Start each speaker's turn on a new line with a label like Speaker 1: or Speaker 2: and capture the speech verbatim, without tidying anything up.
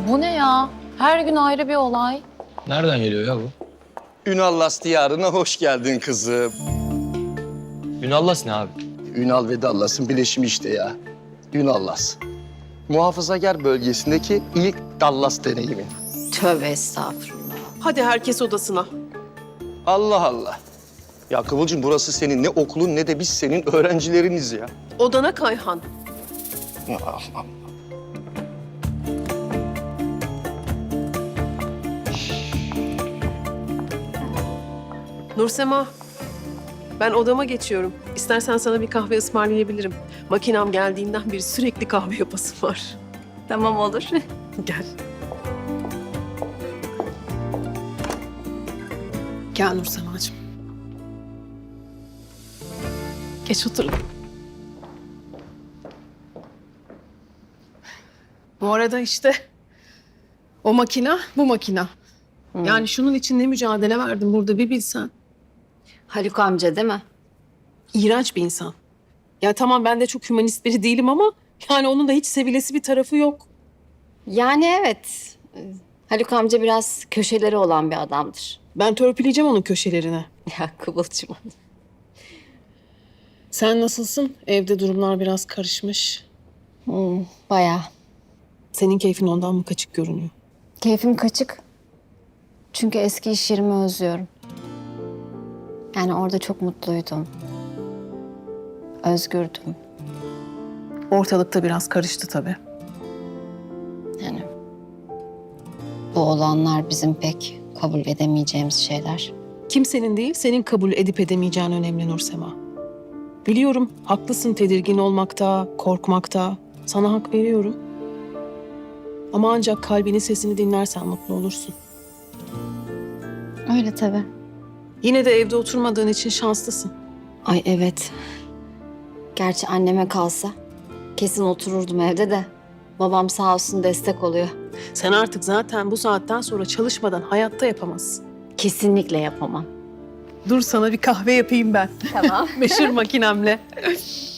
Speaker 1: Bu ne ya? Her gün ayrı bir olay.
Speaker 2: Nereden geliyor ya bu?
Speaker 3: Ünallas diyarına hoş geldin kızım.
Speaker 2: Ünallas ne abi?
Speaker 3: Ünal ve Dallas'ın bileşimi işte ya. Ünallas. Muhafazakar bölgesindeki ilk Dallas deneyimi.
Speaker 1: Tövbe estağfurullah.
Speaker 4: Hadi herkes odasına.
Speaker 3: Allah Allah. Ya Kıvılcım burası senin ne okulun ne de biz senin öğrencileriniz ya.
Speaker 4: Odana Kayhan.
Speaker 3: Ah, ah.
Speaker 4: Nursema, ben odama geçiyorum. İstersen sana bir kahve ısmarlayabilirim. Makinem geldiğinden beri sürekli kahve yapası var.
Speaker 1: Tamam olur.
Speaker 4: Gel. Gel Nursema'cığım. Geç oturun. Bu arada işte o makina, bu makina. Yani şunun için ne mücadele verdim burada bir bilsen.
Speaker 1: Haluk amca değil mi?
Speaker 4: İğrenç bir insan. Ya tamam ben de çok hümanist biri değilim ama yani onun da hiç sevilesi bir tarafı yok.
Speaker 5: Yani evet. Haluk amca biraz köşeleri olan bir adamdır.
Speaker 4: Ben törpüleyeceğim onun köşelerini.
Speaker 5: Ya Kıvılcım.
Speaker 4: Sen nasılsın? Evde durumlar biraz karışmış.
Speaker 5: Hmm, bayağı.
Speaker 4: Senin keyfin ondan mı kaçık görünüyor?
Speaker 5: Keyfim kaçık. Çünkü eski iş yerimi özlüyorum. Yani orada çok mutluydum. Özgürdüm.
Speaker 4: Ortalıkta biraz karıştı tabii.
Speaker 5: Yani bu olanlar bizim pek kabul edemeyeceğimiz şeyler.
Speaker 4: Kimsenin değil, senin kabul edip edemeyeceğin önemli Nursema. Biliyorum, haklısın tedirgin olmakta, korkmakta. Sana hak veriyorum. Ama ancak kalbinin sesini dinlersen mutlu olursun.
Speaker 5: Öyle tabii.
Speaker 4: Yine de evde oturmadığın için şanslısın.
Speaker 5: Ay evet. Gerçi anneme kalsa kesin otururdum evde de. Babam sağ olsun destek oluyor.
Speaker 4: Sen artık zaten bu saatten sonra çalışmadan hayatta yapamazsın.
Speaker 5: Kesinlikle yapamam.
Speaker 4: Dur sana bir kahve yapayım ben.
Speaker 5: Tamam.
Speaker 4: Meşhur makinemle.